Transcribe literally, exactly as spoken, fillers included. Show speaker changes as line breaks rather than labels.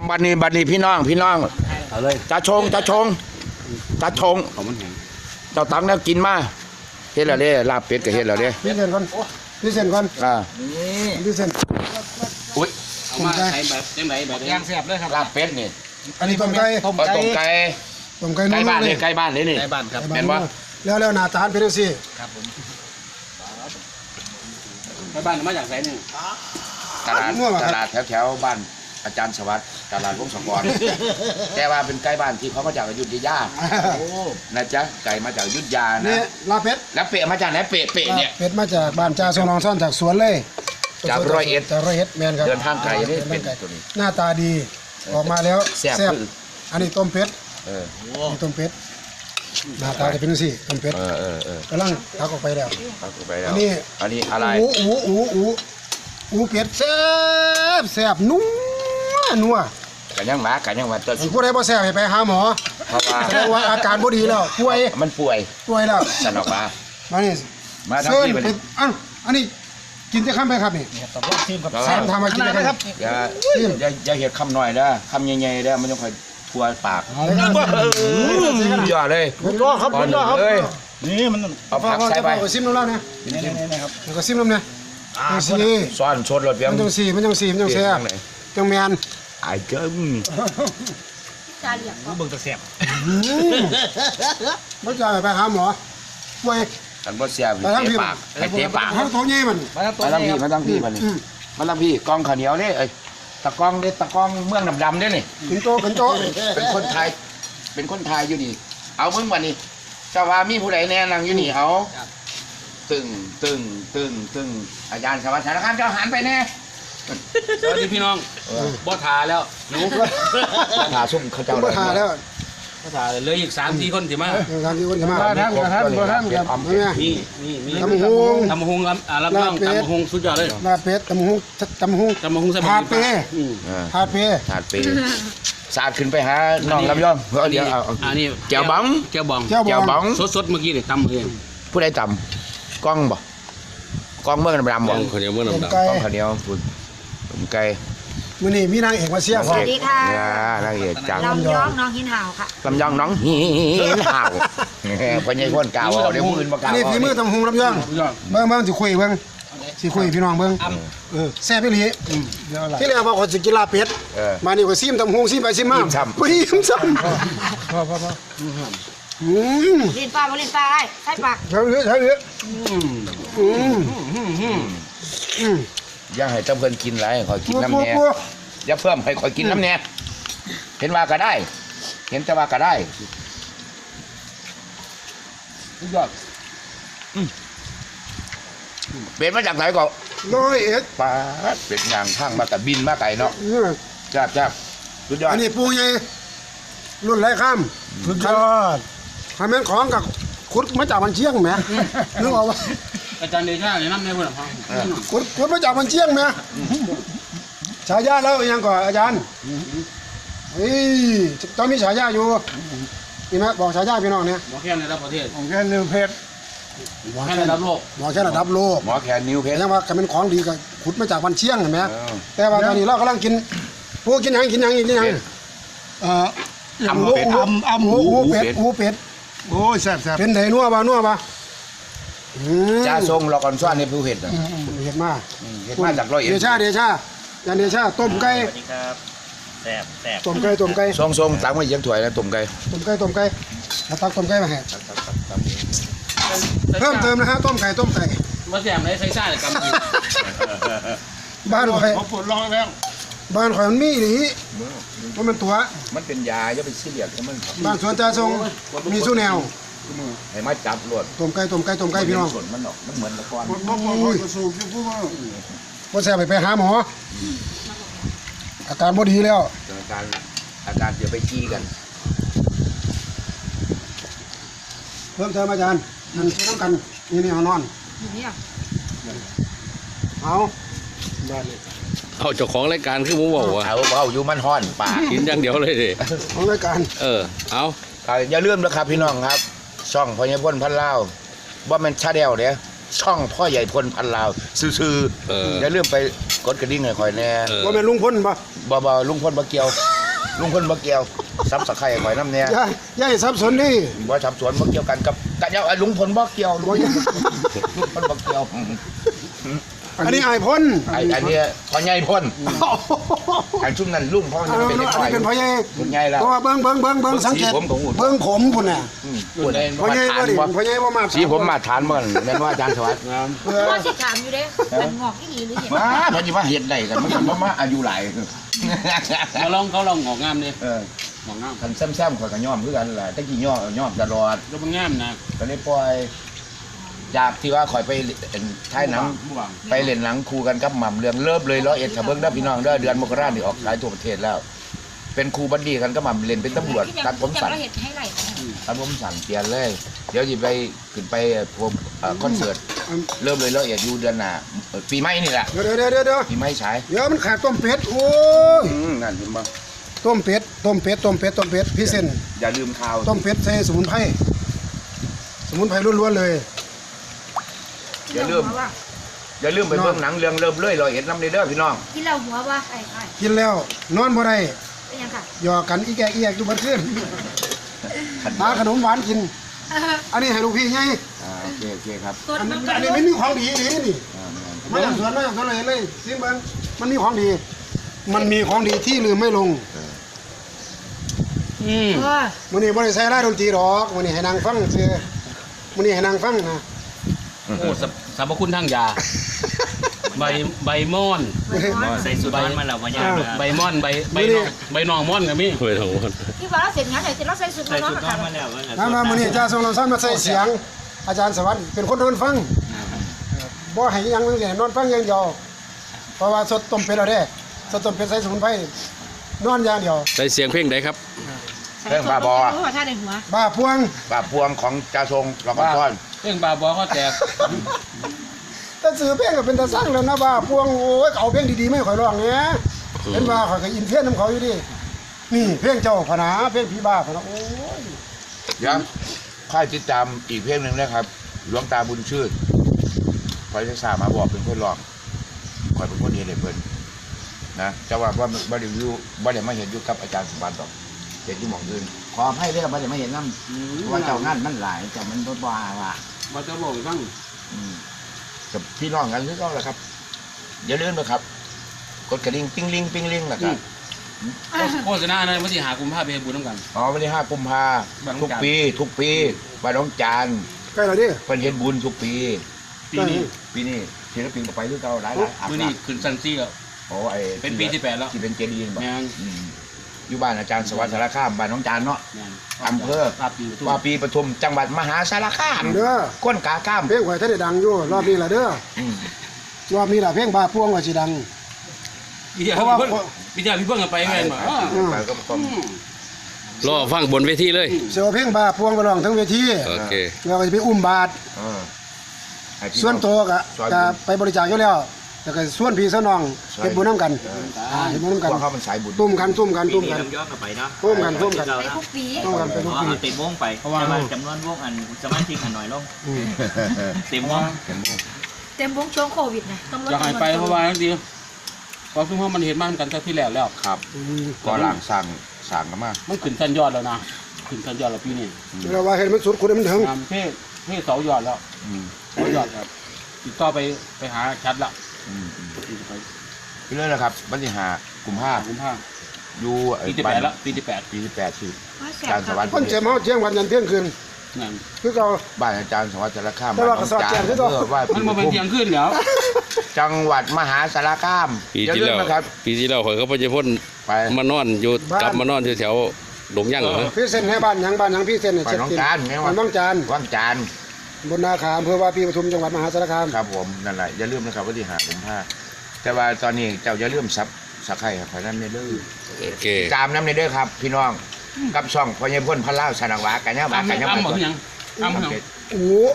บัดนี้บัดนี้พี่น้องพี่น้อง
เอาเลย
จะชงจะชงจะชง
ของมันแห้ง
เจ้าตังแล้วกินมาเฮ็ดแล้วเด้ลาบเป็ดก็เฮ็ดแล้วเด้
พี่เซนก่อนพี่เซนก่อน
อ่า
พี่เซน
อุ้ย
เอามาใช้แบบยังไงแบบย่างแซ่บเลยครับ
ลาบเป็ดนี่
อันนี้ต้มไก่
ต้มไก่ต้มไก่
ต้มไก่
ใกล้
นุ่ม
บ้าน
ๆเล
เลย ยใกล้บ้านเลยนี่
ในบ้านครับ
แม่นบ่
แล้วแล้วหน้าตาเป็นจังซี่
ครับผมในบ้านมาจากไหนเนี่ย
ตลาดตลาดแถวๆบ้านอาจารย์สวัสดิ์ตลาดวงศกรแต่ว่าเป็นใกล้บ้านที่เขามาจากอยุธยานะจ๊ะไก่มาจากอยุธยา
นี่
นะ
ลาเป็ด
แล้วเปะมาจากไหนเปะเปะเนี่ย
เป็ดมาจากบ้านจ่าทรงรองซ่อนจากสวนเลย
จากร้อยเอ็ด
จากร้อยเอ็ดแมนครับ
เดินทางไกลนี่
ดิ
เป็น
ทางไกล
ตัวนี้
หน้าตาดีออกมาแล้ว
แซ่บ
บ
คือ
อันนี้ต้มเป็ด
เออ
อันนี้ต้มเป็ดหน้าตาจะเป็นจังซี่ต้มเป็ด
เออเออเออก
ำลังตักออกไปแล้ว
เอาไปแล้ว
อันนี้
อันนี้อะไร
อูอูอูอูอูเป็ดแซ่บแซ่บนัวนัว
กันยังหมากันยังมาตัว
อันผู้ใดบ่แซ่บให้ไปหาหมอ
เพราะว่า
แสดงว่าอาการบ่ดีแล้วป่วย
มันป่วย
ป่วยแล้ว
สนอกมา
มานี่
มาทำ
เชิญ
ที่ไป
เป็ดอันอันนี้กินจะข้ามไปครับนี่
ตบรอบทีมกับ
สามทำมากินได้ครับ
อย่าอย่าอย่าเห็ดคำหน่อยนะคำใหญ่ๆนะมันต้องคอยทัวปากอย่าเลย
คุณรอครับคุณรอครับ
เลย
นี่มัน
เอาผักใส่ไป
เอาซิมน้ำเล่าเนี่ย
นี่ครับ
แล้วก็ซิมน้ำเนี่ยจังสี
ซ่อนชดรถเพียง
มันจังสีมันจังสีมันจังแซ่บจังแมน
ไอ้เจ้า
จาเหลี่ยม
เบิ่งตะแซ่บ
ไม่จ่ายไปหาหมอป่วย
กันบ่เสียบเตะปากไอ้เตะปาก
ให้ตัวใหญ่มัน
มาทั้งตัว
มาตั้งพี่มาตั้งพี่มานี่มาตั้งพี่กองข้าวเหนียวนี่ไอ้ตะกองเด้ตะกองเมืองดำๆเด้นี่
ขึ้นโตขึ้นโต
เป็นคนไทย เป็นคนไทยอยู่นี่ เอามึงมานี่เจ้าว่ามีผู้ใดแน่นั่งอยู่นี่เอาตึงตึงตึงตึงอาจารย์สวัสดิ์สารคามเจ้าหันไปแน่
สวัสดีพี่น้องบ่ทาแล้วหนู
ถาซุ่มเขาเจ้า
บ่ทาแล้ว
บ่ทาเหลืออีกสามสี่คนสิมา
ทางที่คนจะมา
ท่านท่านท่านครับ
เนี่ย
นี่นี่มี
ตำฮง
ตำหงรับอ่ารับรองตำหงสุดยอดเลย
ลาเป็ดตำฮงตำฮง
ตำหงส
ถาดเป
อืม
ถาดเป
ถาดปีสาดขึ้นไปหาน้องลำยองเพื่อเดี๋ยวเอา
อันนี้
เจ้าบ้อง
เจ้าบอง
เจ้า
เจ้า
บ
บ้
อ
อง ง
สดๆเมื่อกี้นี่ตำเอง
ผู้ใดต่ำกล้องบ่กล้องเมืองดำๆบ่
คนเดียวเมื่อ
ต้ม
น้ำดำ
ไก่
กล้องข้าวเหนียวปุ่นผมไก่
มื้อนี้มีนางเอกมาเชียร์
สวัสดีค่ะ
นางเอกจาก
ลำยองน้องหินห่าวค่ะ
ลำยองน้องหินห่าวพญายพ่นกาวเอาเดี๋ยวมือมากา
อั
วน
นี้ฝีมือตำฮงลำยองเบิ่งเบิ่งสิคุยเบิ่งสิคุยพี่น้องเบิ่งเออแซ่บอีหลีที่แรกว่าขอยสิกินลาเป็ด
เออ
มานี่ก็ซิมตำฮงซิมไปซิมมา
อิ่มซ้ำ
บ่อิ่มซ้ำพอพอพออืม
ลินปลาบ่ลินปลาไอ้ใส่ปาก
ใช่เลยใช่เลยอืมอืม
อย่าให้เจ้าเพิ่นกินไรขอยกิน
ปัว
น้ำ
ปัว
แน่
ปัว
อย่าเพิ่มให้ขอยกินน้ำแน่เห็นว่าก็ได้ เห็นแต่ว่าก็ได้สุดยอดอืมเป็นมาจากไหนก็
ร้อยเอ็ด
ปลาเป็ดยางข้างมาแต่บินมาไก่เนาะ
อืม
จ้าบจ้าบสุดยอด
อันนี้ปูใหญ่รุ่นไรข้ามสุดยอดทำแม่นของกับขุดมาจากมันเชียงแหมนึกออกว่า
อาจารย์เดชาเนี่ยน้ำในเพื่อนฟัง
ขุดขุดมาจากมันเชียงแหมฉายาแล้วยังก่อนอาจารย์เฮ้ยต้องมีฉายาอยู่นี่ไหมบอกฉายาพี่น้องเนี่ย
หมอแค่ในระดับประเทศ
ของแค่นิวเพชร
หมอแค่ในระดับโลก
บอกแค่ระดับโลก
หมอแขนนิ้วเพชร
ยังว่าเป็นของดีก็ขุดมาจากมันเชียงเห็นไหม
เออ
แต่ว่าตอนนี้เรากำลังกินพวกกินหยังกินหยังกินหยังเอ่อ
อำเป็ด
อูอำอูอูเป็ดอูเป็ด
โอ้ยแซ่บแซ่บ
เป็นไดนัวบ่นัวบ่อืม
จ้าทรงรอก่อนซ้อนในผู้เห็ดน่ะ
อืมอืมเห็ดมา
เห็ดมาจากร้อยเอ็ด
เดชาเดชายันเดชาต้มไก่
สวัสดีครับแซ่บแซ่บ
ต้มไก่ต้มไก่
ทรงทรงตังไว้ยังถ้วยแล้วตุ่มไก่
ต้มไก่ต้มไก่แล้วตักต้มไก่มาให้เพิ่มเติมนะฮะต้มไก่ต้มไก่
มาแซ่บในไซซ่าเลยกำลัง
บ้านข่อย
เขาปวดร้องแล้ว
บ้านข่อยมันมีอีหลีว่ามันตัว
มันเป็นยาอย่าไปซีเรียสกับมันครับ
บ้านสวนจ่าทรงมีสู้แนว
ให้มาจับรวด
ต้มไก่ต้มไก่ต้มไก่พี่น้อง
ส่วนมันออกมันเหมือนละคร
ปวดปวดปวดปวดกระสูบอยู่พวกว่า
ว่าแซ่บไปไปหาหมออาการบ่ดีแล้ว
อาการอาการจะไปขี้กัน
เพิ่มเติมอาจารย์นั่นต้องกันนี่นี่เอานอน
อยู่เนี่ย
เอา
เอาเจ้าของรายการคือผมบอกว่า
เอาเอาอยู่มันห้อนปาก
กินอย่างเดียวเลยดิ
ของรายการ
เออ เอา
เอาอย่าลืมนะครับพี่น้องครับ ช่องพ่อใหญ่พลพันลาวว่ามันชาแนลเนี่ยช่องพ่อใหญ่พลพันลาวซื่อ
เออ
ๆอย่าลืมไปกดกระดิ่งให้คอยแน่
เออ
ว่าแม่นลุงพ้นปะ
บ่บ่ลุงพลบ่เกี่ยวลุงพลบ่เกี่ยวซับสไครต์ข่อยน้ำเนี่ย
อย่าอย่าให้สับสนดิ
บ่ทับสวนบ่เกี่ยวกันกับกะเจ้าลุงพลบ่เกี่ยวลุงพลลุงพลบ่เกี่ยว
อันนี้ไอ้ายพ้น
ไอ้อันเนี้ยพ่อใหญ่พ่นอันชุ่มนั่นลุงพ่อ
อัน
นี่
นี้
เป็น
เป็น
เด็กน้อย
พ่อใหญ่
เป็นใหญ่แล้ว
เพราะว่าเบิ้งเบิ้งเบิ้งเบิ้งสังเกต
สีผมของอุ่น
เบิ้งผมพุ่นน่ะ
อืมพูดได้
พ่อใหญ่
มา
บ่
ทาน
ดิ
บ่
พ่อใหญ่บ่มา
สีผมมาทานบ่แม่นว่าอาจารย์สวัสดิ์
ว่าสิถามอยู่เด้มันงอกอีหลีหรือเห็น
มาเพิ่นสิมาเฮ็ดได้กันมันก็บ่มาอายุหลาย
เขาลองเขาลองงอกงามเลย
เออ
งอกงาม
คันแซมๆข่อยก็ยอมคือกันล่ะตะกี้ยอมยอมตลอด
แล้วมันงามนะ
ก็เลยปล่อยจากที่ว่าข่อยไปเล่นท้ายหนัง
ผู้หวัง
ไปเล่นหนังคู่กันกับหม่ำเรื่องเริ่มเลยร้อยเอ็ดถ้าเบิ่งเด้อพี่น้องเด้อเดือนมกราคมนี่ออกหลายทั่วประเทศแล้ว เป็นครูบัดดี้กันกับหม่ำเล่นเป็นตำรวจตัดผมสั้น
จะเห็นให้ไหล
ตัดผมสั้นเปลี่ยนเลย เดี๋ยวสิไปขึ้นไปพวกเอ่อคอนเสิร์ตเริ่มเลยร้อยเอ็ดอยู่เดือนหน้าเอ่อปีใหม่นี่แหละ
เดี๋ยวเดี๋ยวเดี๋ยวเดี๋ยว
ปีใหม่ฉาย
เดี๋ยวมันขาดต้มเป็ดโอ้ย
อืมนั่นเห็นบ่
ต้มเป็ดต้มเป็ดต้มเป็ดต้มเป็ดพี่เส้น
อย่าลืมข่าว
ต้มเป็ดใส่สมุนไพรสมุนไพรล้วนๆเลย
อย่าลืมอย่าลืมไปเบิ่งหนังเรื่องเริ่มเลยร้อยเอ็ดนำเด้อพี่น้อง
กินแล้วหัวว่าไอ้ไอ้
กินแล้วนอนบ่ได้
เป็นยังค่ะ
หยอกกันอีแกอีแกอยู่บัดคืน
ขัน
หาขนมหวานกิน อันนี้ให้ลูกพี่ไง
อ่าโอเคโอเคครับ
ตัว
อัน
มั
นี้
น
อันนี้ไม่มีของดีนี่นี่
อ่า
มาจากสวนมาจากสวนเลยเลยซิมเบิ้งมันมีของดี มันมีของดีที่ลืมไม่ลง
อืม
เออ
มื้อนี้บ่ได้ใส่รายดนตรีหรอกมื้อนี้ให้นางฟังซื่อมื้อนี้ให้นางฟังนะ
โอ้สรรสรรพคุณทางยา ใบใบม่อน
ใส่สุดร้อนมาแล้ววันยากนะ
ใบม่อนใบใบนองใบนองม่อนกับมี่
ไม่ต้องพูด
ที่ว่าเราเสร็จงานไหนเสร็จเราใส่สุด
ใส่
น้อง
สุดร้อ
ค่ะ
นมาแล้ววัน
มามามื้อนี้อาจารย์ทรงลำซ้ำมาใส่เสียง อาจารย์สวัสดิ์เป็นคนโดนฟังบ่ให้หยังนึงนอนฟังอย่างเดียวเพราะว่าสดต้มเป็ดแล้วเด้สดต้มเป็ดใส่สมุนไพรนอนอย่างเดียว
ใส่เสียงเพลงไหนครับ
เรื่องบาบอ
หัวท่าในหัว
บ้าพวง
บาพวงของจ่าทรงเราก็ซ่อน
เรื่องบาบอเขาแตก
แต่ซื้อเพลงก็เป็นตาสร้างแล้วนะบ้าพวงโอ้ยเอาเพลงดีๆไม่ค่อยร้องเนี่ยเห็นว่าข่อยก็อินเพี้ยนน้ำเขาอยู่ดินี่เพลงเจ้าพนาเพลงพี่บ้าพนาโอ้ย
เดี๋ยวค่อยติดตามอีกเพลงหนึ่งนะครับหลวงตาบุญชื่นคอยจะสามาบอกเป็นคนร้องคอยเป็นคนเดียวเลยเพิ่นนะจะว่าว่าบ่ได้อยู่บ่ได้มาเห็นอยู่กับอาจารย์สมบัติดอกเห็นอยู่หม่องอื่นขออภัยเด้อบ่ได้มาเห็นนำว่าเจ้างานมันหลายเจ้ามันบ่ว่าว่า
บาจะบอกบ้าง
อืมกับพี่น้องกันคือเก่าแหละครับอย่าลืมนะครับ กดกระดิ่งปิ้งลิงปิ้งลิงนะครับ
โฆษณาในวันที่หากุมภาพันธ์ไปบุญน้ำกัน
อ๋อวันที่ห้ากุมภา
บ้านน้อง
ทุก
จาน
ปี ทุกปีบ้านน้องจาน
ใกล้แล้วดิ
เพิ่นเฮ็ดบุญทุกปี
ปีนี้
ปีนี้ศิลปินก็ไปคือเก่าหลายหลายอาบ
มื่อ
น้
นี้ขึ้นซันซี่แล้ว
ำโอ้ไอ้
เป็นปีที่แปดแล้ว
ที่เป็นเจดีย์บ่
แม่น
อืมอยู่บ้านอาจารย์สวัสดิ์สารคามบ้านน้องจานเนาะ
แม่น
อำเภอ
ปราบปีประตู
ว่าปีปทุมจังหวัดมหาสารคาม
เด้อ
ก้นกาข้าม
เพลงข่อยท่านได้ดังอยู่รอบนี้ล่ะเด้อ
อืม
รอบนี้ล่ะเพลงบ้าพวงว่าสิดัง
พี่เจ้า
เพราะว่า
พี่เพิ่งพี่เจ้าพี่เพิ่งกันไปแม่นบ่อ้อ
ไปก็ต้อง
รอฟังบนเวทีเลย
เสียวเพลงบ้าพวงไปร้องทั้งเวที
โอเค
แล้วก็จะไปอุ้มบาท
เออให้พี่
ส่วนตัวก็
ซอย
ก็
บุญ
ไปบริจาคอยู่แล้วแต่ก็ส่วนพี่ส่วนน้องเฮ็ดบุญนํกันอ่าเฮ็ดบุญนํกัน
พวกเขามันสายบุญ
ตุ้มกันตุ้มกัน
ปี
ตุ้ม
นี้
กัน
ต้องย้อนกลับไปเนาะ
ร่วมกันร่วมกัน
ไปทุกปี
ตุ้มกันไปทุก
เอา
ปี
เอาเต็มวงไปแต่ว่าจำนวนวงอันสมาชิกหันหน่อยลง
อืม
เต็มวง
เต็มวงช่วงโควิดนะต้องลด
อยากให้ไปเพราะว่าทั้งทีเพราะซึ่งว่ามันเห็นมากันแต่ที่แล้วแล้ว
ครับ
อืม
ก็หลังสั่งสั่งกันมา
มันขึ้นชั้นยอดแล้วนะขึ้นชั้นยอดแล้วปีนี้
เราว่าเห็นมันสุดคุณมันถึง
งามเท่เท่เสายอดแล้ว
อืม
เสายอดครับติดต่อไปไปหาชัดละ
อืมอืม
ไป
พี่เลื่อนนะครับวันที่ห้ากุมภา
หาคุ้มผ้า
อยู่ไอ้
ปีที่แปดละปีที่แปด
ปีที่แปดที่
ว่าแส
อา
บ
จารย์สวัสดิ์
คนเจ็บเมาเที่ยงวันยันเที่ยงคืน
นั่น
คือเรา
บ้านอาจารย์สวัสดิ์สารคาม
แต่ว่าก็สอดแจ้งคือเก่า
เพื่อว่า
มันมาเป็นเที่ยงขึ้นแล้ว
จังหวัดมหาสารคาม
ปี
อย่า
ที่
ลืม
แล้ว
นะครับ
ปีที่แล้วข่อยก็ไปจะพ่น
ไป
มานอนอยู่กลับมานอนแถวๆหลงย่างเหรอ
พี่เส้นให้บ้านหยังบ้านหยังพี่เส้นเนี่ย
ไป
เช็ด
น้อง
ติน
จานไงวะ
บ้านน้องจาน
ว่างจาน
บนนาคาอำเภอว่าปีปทุมจังหวัดมหาสารคาม
ครับผมนั่นแหละอย่าลืมนะครับวันที่ห้ากุมภาแต่ว่าตอนนี้เจ้าอย่าลืมซับสักไข่ครับเพราะนั้นในเด้อ
โอเค
ตามน้ำในเด้อครับ พี่น้องกับช่องพญพ่นพระเล่าสนังหวากันเนี่ยหวา
อ้ำ
กันเนี่ย
อ้ำ
ห
หม
วา
ดยังอ้ำหมดยัง
โอ้